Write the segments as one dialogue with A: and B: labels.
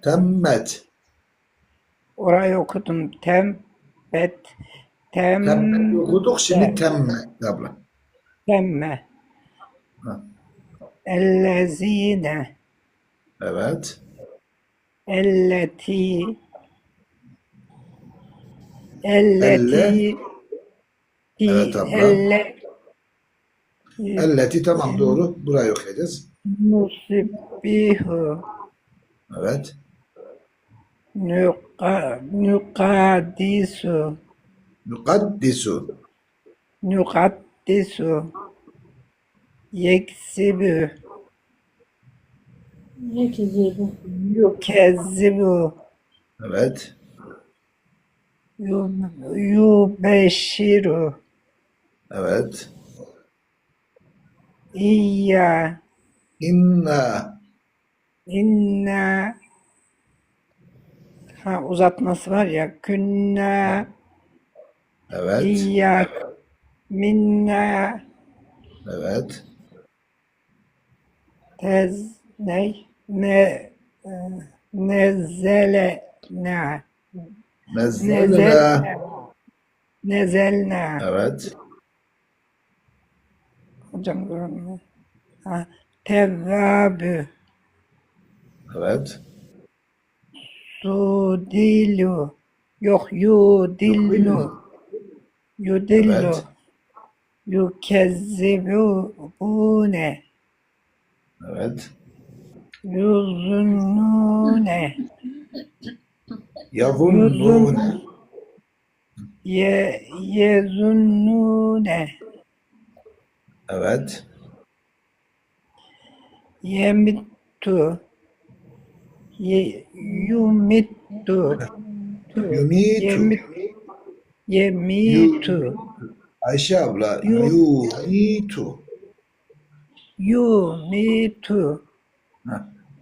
A: Temmet.
B: Orayı okudum. Tembet.
A: Temmet okuduk. Şimdi
B: Tembe.
A: temmet abla.
B: Temme.
A: Ha,
B: Ellezine.
A: evet.
B: Elleti.
A: Elle.
B: Elleti.
A: Evet abla.
B: Elle.
A: Elleti tamam doğru. Burayı okuyacağız.
B: Nusibbihu.
A: Evet.
B: Nukadisu.
A: Nukaddisu.
B: Nukaddisu. Yeksibu.
C: Yekzibu.
B: Yukezzibu.
A: Evet.
B: Yubeşşiru.
A: Evet.
B: İyya.
A: İnna.
B: İnna. Ha, uzatması var ya. Künna.
A: Evet.
B: İyyak. Minna.
A: Evet.
B: Ne? E, Nezzelena.
A: Nezzelna.
B: Nezelna. Nezelna.
A: Evet.
B: Hocam görünmüyor. Ha, tevvabü.
A: Evet.
B: Sudilu. Yok, yudillu. Yudillu.
A: Evet.
B: Yukezzibune.
A: Evet.
B: Yuzunnune.
A: Yavunnune.
B: Yezunnune.
A: Evet.
B: Yemittu. Yumittu.
A: Yumitu.
B: Yemit,
A: Yu.
B: yemitu.
A: Ayşe abla.
B: Yu,
A: Yumitu.
B: yumitu.
A: Ha.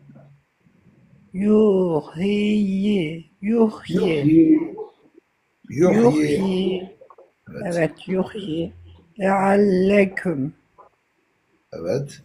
B: Yuhyi. Yuhyi.
A: Yuhyi. Yuhyi.
B: Yuhyi.
A: Evet.
B: Evet, yuhyi. Lealleküm.
A: Evet.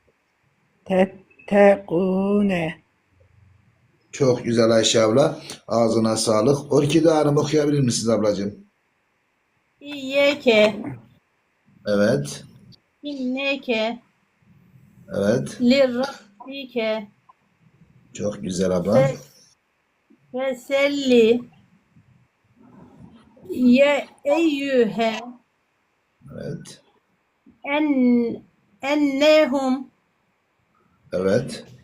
B: Tettegune.
A: Çok güzel Ayşe abla. Ağzına sağlık. Orkide Hanım okuyabilir misiniz ablacığım?
C: İyyeke.
A: Evet.
C: İnneke.
A: Evet.
C: Lirrabbike.
A: Çok güzel abla.
C: Fe, feselli. Ye eyyühe.
A: Evet.
C: En, ennehum.
A: Evet.